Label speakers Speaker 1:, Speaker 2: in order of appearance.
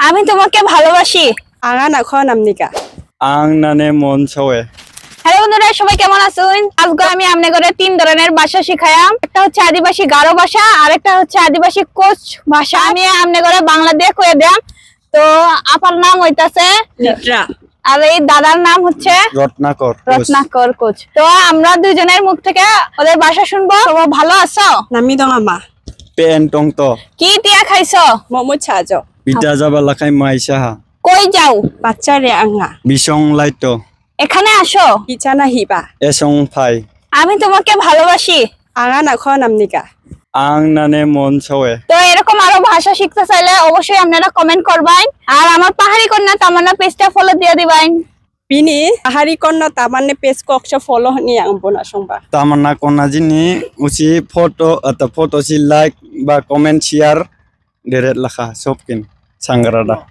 Speaker 1: আমি তোমাকে ভালোবাসি।
Speaker 2: Angan ako namnika.
Speaker 3: Ang nane mon chowe.
Speaker 1: Hello বন্ধুরা, সবাই কেমন আছেন? আজকে আমি আপনাদের তিন ধরনের ভাষা শিখাইলাম। একটা হচ্ছে আদিবাসী গারো ভাষা, আর একটা হচ্ছে আদিবাসী কোচ ভাষা। আমি আপনাদের বাংলা দিয়ে কয়ে দিলাম। তো আপার নাম হইতাছে
Speaker 2: Nitra.
Speaker 1: আর এই দাদার নাম হচ্ছে
Speaker 3: Rotnakor.
Speaker 1: রত্নাকর কোচ। তো আমরা দুজনের মুখ থেকে ওদের ভাষা শুনবো। তোমরা ভালো আছো?
Speaker 2: Nami dong ama.
Speaker 3: Pen tong to.
Speaker 1: কি তিয়া খাইছো?
Speaker 2: Momo chajo.
Speaker 3: Bita jaba lakai maisaha.
Speaker 1: কই যাও?
Speaker 2: Bacha re anga.
Speaker 3: Bisong laito.
Speaker 1: এখানে আসো।
Speaker 2: Ichana hiba.
Speaker 3: Esong phai.
Speaker 1: আমি তোমাকে ভালোবাসি।
Speaker 2: Angan ako namnika.
Speaker 3: Ang nane mon chowe.
Speaker 1: তো এরকম আরো ভাষা শিখতে চাইলে অবশ্যই আপনারা কমেন্ট করবেন, আর আমার পাহাড়ি কন্যা তামান্না পেজটা ফলো দিয়ে দিবেন।
Speaker 2: Bini ahari konna tamane page ko aksha follow ni ang bona songba.
Speaker 3: Tamanna kona jini usi photo si like ba comment share deret lakha sopkin sangarada.